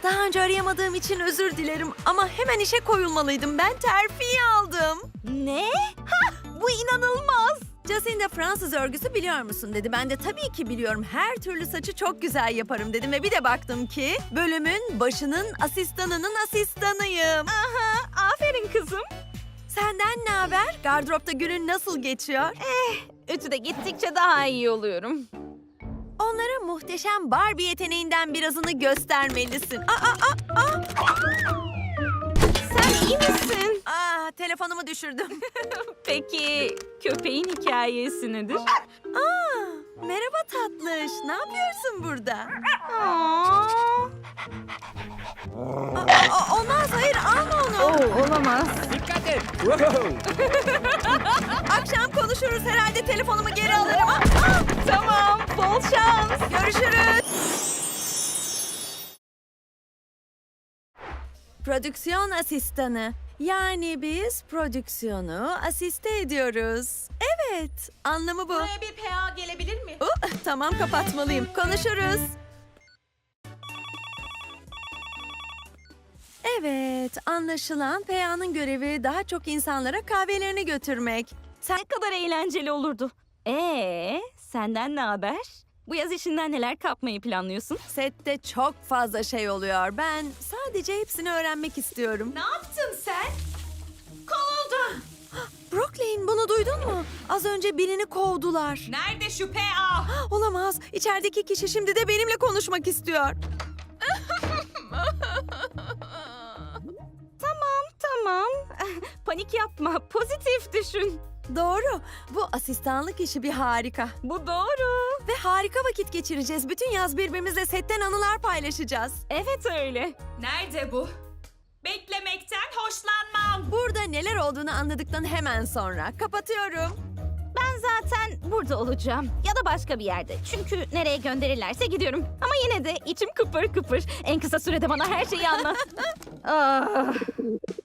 Daha önce arayamadığım için özür dilerim ama hemen işe koyulmalıydım. Ben terfi aldım. Ne? Bu inanılmaz. Jacinda Fransız örgüsü biliyor musun dedi. Ben de tabii ki biliyorum. Her türlü saçı çok güzel yaparım dedim ve bir de baktım ki bölümün başının asistanının asistanıyım. Aferin kızım. Senden ne haber? Gardıropta günün nasıl geçiyor? Ütüde gittikçe daha iyi oluyorum. Onlara muhteşem Barbie yeteneğinden birazını göstermelisin. Sen iyi misin? Telefonumu düşürdüm. Peki köpeğin hikayesi nedir? Merhaba tatlış. Ne yapıyorsun burada? Olmaz, hayır alma onu. Olamaz. Dikkat et. Wow. Akşam konuşuruz herhalde telefonumu geri alırım. Tamam, bol şans. Görüşürüz. Prodüksiyon asistanı. Yani biz prodüksiyonu asiste ediyoruz. Evet, anlamı bu. Buraya bir PA gelebilir mi? Tamam, kapatmalıyım. Konuşuruz. Evet, anlaşılan PA'nın görevi daha çok insanlara kahvelerini götürmek. Ne kadar eğlenceli olurdu. Senden ne haber? Bu yaz işinden neler kapmayı planlıyorsun? Sette çok fazla şey oluyor. Ben sadece hepsini öğrenmek istiyorum. Ne yaptın sen? Kovuldun. Brooklyn, bunu duydun mu? Az önce birini kovdular. Nerede şu PA? Olamaz. İçerideki kişi şimdi de benimle konuşmak istiyor. Tamam. Panik yapma. Pozitif düşün. Doğru. Bu asistanlık işi bir harika. Bu doğru. Ve harika vakit geçireceğiz. Bütün yaz birbirimizle setten anılar paylaşacağız. Evet öyle. Nerede bu? Beklemekten hoşlanmam. Burada neler olduğunu anladıktan hemen sonra kapatıyorum. Ben zaten burada olacağım. Ya da başka bir yerde. Çünkü nereye gönderirlerse gidiyorum. Ama yine de içim kıpır kıpır. En kısa sürede bana her şeyi anlat.